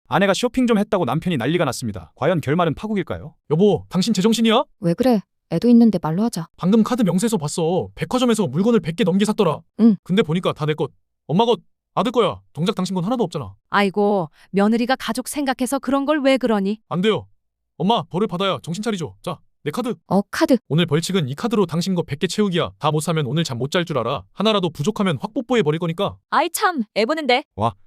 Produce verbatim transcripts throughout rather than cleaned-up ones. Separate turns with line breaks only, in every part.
아내가 쇼핑 좀 했다고 남편이 난리가 났습니다. 과연 결말은 파국일까요?
여보, 당신 제정신이야?
왜 그래? 애도 있는데 말로 하자.
방금 카드 명세서 봤어. 백화점에서 물건을 백 개 넘게 샀더라.
응.
근데 보니까 다 내 것. 엄마 것, 아들 거야. 정작 당신 건 하나도 없잖아.
아이고, 며느리가 가족 생각해서 그런 걸 왜 그러니?
안 돼요. 엄마, 벌을 받아야 정신 차리죠. 자, 내 카드.
어, 카드.
오늘 벌칙은 이 카드로 당신 거 백 개 채우기야. 다 못 사면 오늘 잠 못 잘 줄 알아. 하나라도 부족하면 확 뽀뽀해 버릴 거니까.
아이 참, 애보는데.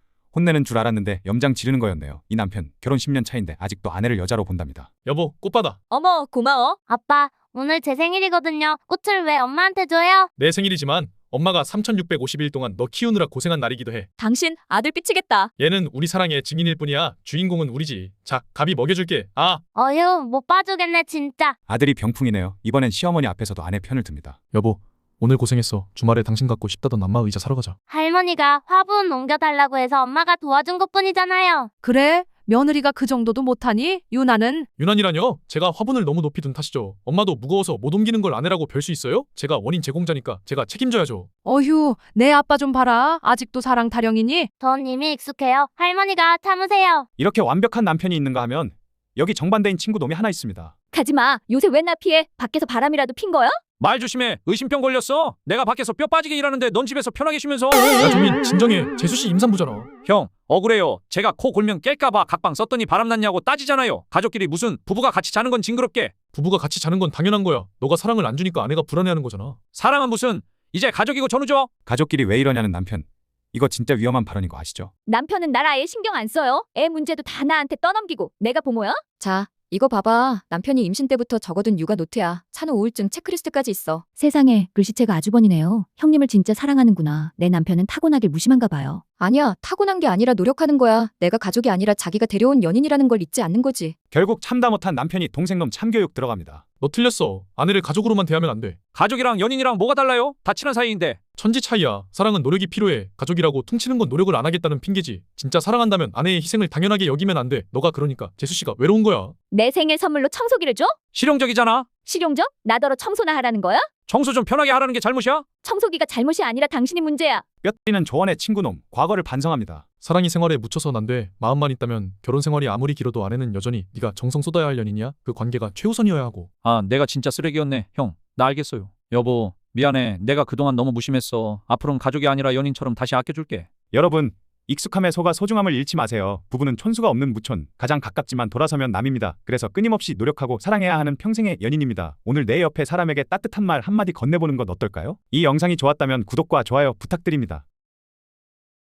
혼내는 줄 알았는데 염장 지르는 거였네요. 이 남편 결혼 십 년 차인데 아직도 아내를 여자로 본답니다.
여보, 꽃 받아.
어머, 고마워.
아빠, 오늘 제 생일이거든요. 꽃을 왜 엄마한테 줘요?
내 생일이지만 엄마가 삼천육백오십 일 동안 너 키우느라 고생한 날이기도 해.
당신 아들 삐치겠다.
얘는 우리 사랑의 증인일 뿐이야. 주인공은 우리지. 자, 갑이 먹여줄게. 아,
어휴, 못 봐주겠네 진짜.
아들이 병풍이네요. 이번엔 시어머니 앞에서도 아내 편을 듭니다.
여보, 오늘 고생했어. 주말에 당신 갖고 싶다던 안마 의자 사러 가자.
할머니가 화분 옮겨달라고 해서 엄마가 도와준 것뿐이잖아요.
그래? 며느리가 그 정도도 못하니? 유나는?
유난이라뇨? 제가 화분을 너무 높이 둔 탓이죠. 엄마도 무거워서 못 옮기는 걸 아내라고 별 수 있어요? 제가 원인 제공자니까 제가 책임져야죠.
어휴, 내 아빠 좀 봐라. 아직도 사랑 타령이니?
전 이미 익숙해요. 할머니가 참으세요.
이렇게 완벽한 남편이 있는가 하면 여기 정반대인 친구 놈이 하나 있습니다.
가지마. 요새 왜 나 피해? 밖에서 바람이라도 핀 거야?
말 조심해. 의심병 걸렸어. 내가 밖에서 뼈 빠지게 일하는데 넌 집에서 편하게 쉬면서.
야, 정민, 진정해. 재수씨 임산부잖아.
형, 억울해요. 제가 코 골면 깰까봐 각방 썼더니 바람났냐고 따지잖아요. 가족끼리 무슨 부부가 같이 자는 건 징그럽게.
부부가 같이 자는 건 당연한 거야. 너가 사랑을 안 주니까 아내가 불안해하는 거잖아.
사랑은 무슨. 이제 가족이고 전우죠.
가족끼리 왜 이러냐는 남편. 이거 진짜 위험한 발언인 거 아시죠?
남편은 날 아예 신경 안 써요. 애 문제도 다 나한테 떠넘기고. 내가 보모야?
자, 이거 봐봐. 남편이 임신 때부터 적어둔 육아 노트야. 산후 우울증 체크리스트까지 있어. 세상에, 글씨체가 아주버니네요. 형님을 진짜 사랑하는구나. 내 남편은 타고나길 무심한가 봐요. 아니야, 타고난 게 아니라 노력하는 거야. 내가 가족이 아니라 자기가 데려온 연인이라는 걸 잊지 않는 거지.
결국 참다 못한 남편이 동생놈 참교육 들어갑니다.
너 틀렸어. 아내를 가족으로만 대하면 안 돼.
가족이랑 연인이랑 뭐가 달라요? 다 친한 사이인데.
천지 차이야. 사랑은 노력이 필요해. 가족이라고 퉁치는 건 노력을 안 하겠다는 핑계지. 진짜 사랑한다면 아내의 희생을 당연하게 여기면 안 돼. 너가 그러니까 재수씨가 외로운 거야.
내 생일 선물로 청소기를 줘?
실용적이잖아.
실용적? 나더러 청소나 하라는 거야?
청소 좀 편하게 하라는 게 잘못이야?
청소기가 잘못이 아니라 당신이 문제야.
뼈 때리는 조언의 친구놈. 과거를 반성합니다.
사랑이 생활에 묻혀선 안 돼. 마음만 있다면 결혼 생활이 아무리 길어도 아내는 여전히 네가 정성 쏟아야 할 연인이야. 그 관계가 최우선이어야 하고.
아, 내가 진짜 쓰레기였네. 형, 나 알겠어요. 여보, 미안해. 내가 그동안 너무 무심했어. 앞으로는 가족이 아니라 연인처럼 다시 아껴줄게.
여러분, 익숙함에 속아 소중함을 잃지 마세요. 부부는 촌수가 없는 무촌, 가장 가깝지만 돌아서면 남입니다. 그래서 끊임없이 노력하고 사랑해야 하는 평생의 연인입니다. 오늘 내 옆에 사람에게 따뜻한 말 한마디 건네보는 것 어떨까요? 이 영상이 좋았다면 구독과 좋아요 부탁드립니다.